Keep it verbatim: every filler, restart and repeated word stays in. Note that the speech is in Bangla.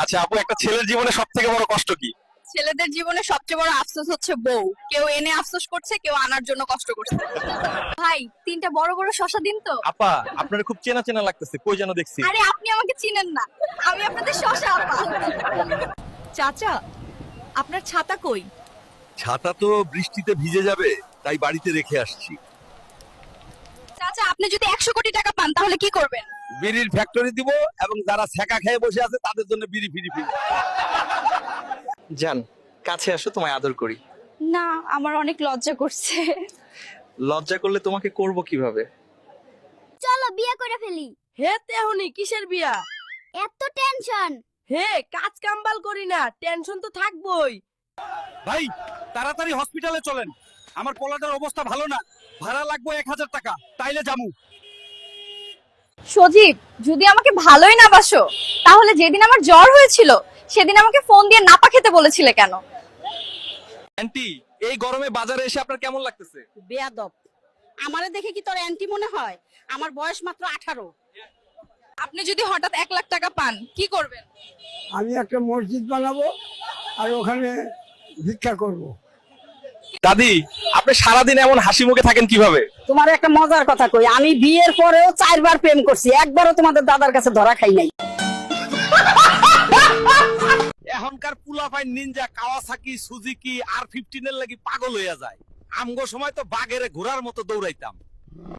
আচ্ছা আপু, একটা ছেলের জীবনে সব থেকে বড় কষ্ট কি? ছেলেদের জীবনে সবচেয়ে বড় আফসোস হচ্ছে বউ। কেউ এনে আফসোস করছে, কেউ আনার জন্য কষ্ট করছে। ভাই, তিনটা বড় বড় শশা দিন তো। আপা, আপনার খুব চেনা চেনা লাগতেছে, কই যেন দেখছি। আরে আপনি আমাকে চিনেন না, আমি আপনাদের শশা আপা। চাচা, আপনার ছাতা কই? ছাতা তো বৃষ্টিতে ভিজে যাবে, তাই বাড়িতে রেখে আসছি। চাচা, আপনি যদি একশো কোটি টাকা পান তাহলে কি করবেন? বিড়ির ফ্যাক্টরি দিব এবং যারা ছ্যাঁকা খেয়ে বসে আছে তাদের জন্য বিড়ি ফিরি ফিরি। জান, কাছে আসো, তোমায় আদর করি। না, আমার অনেক লজ্জা করছে। লজ্জা করলে তোমাকে করব কিভাবে? চলো বিয়ে করে ফেলি। হে তেহনি, কিসের বিয়া? এত টেনশন। হে, কাজ কাম্বাল করি না, টেনশন তো থাকবই। ভাই তাড়াতাড়ি হসপিটালে চলেন, আমার পোলাটার অবস্থা ভালো না। ভাড়া লাগবে এক হাজার টাকা, তাইলে জামু। সজীব, যদি আমাকে ভালোই না বাসো তাহলে যেদিন আমার জ্বর হয়েছিল সেদিন আমাকে ফোন দিয়ে নাপা খেতে বলেছিলে কেন? আন্টি, এই গরমে বাজারে এসে আপনার কেমন লাগতেছে? বেয়াদব, আমারে দেখে কি তোর অ্যান্টি মনে হয়? আমার বয়স মাত্র আঠারো। আপনি যদি হঠাৎ এক লাখ টাকা পান কি করবেন? আমি একটা মসজিদ বানাবো আর ওখানে ভিক্ষা করব। দাদি, আপনি সারাদিন এমন হাসি মুখে থাকেন কিভাবে? তোমার একটা মজার কথা কই, আমি বিয়ের পরেও চারবার প্রেম করছি, একবারও তোমাদের দাদার কাছে ধরা খাই নাই। এখনকার পুলাফাই নিনজা কাওয়াসাকি সুজুকি আর ফিফটিন এর লাগি পাগল হইয়া যায়। আমগো সময় তো বাঘেরে ঘোড়ার মতো দৌড়াইতাম।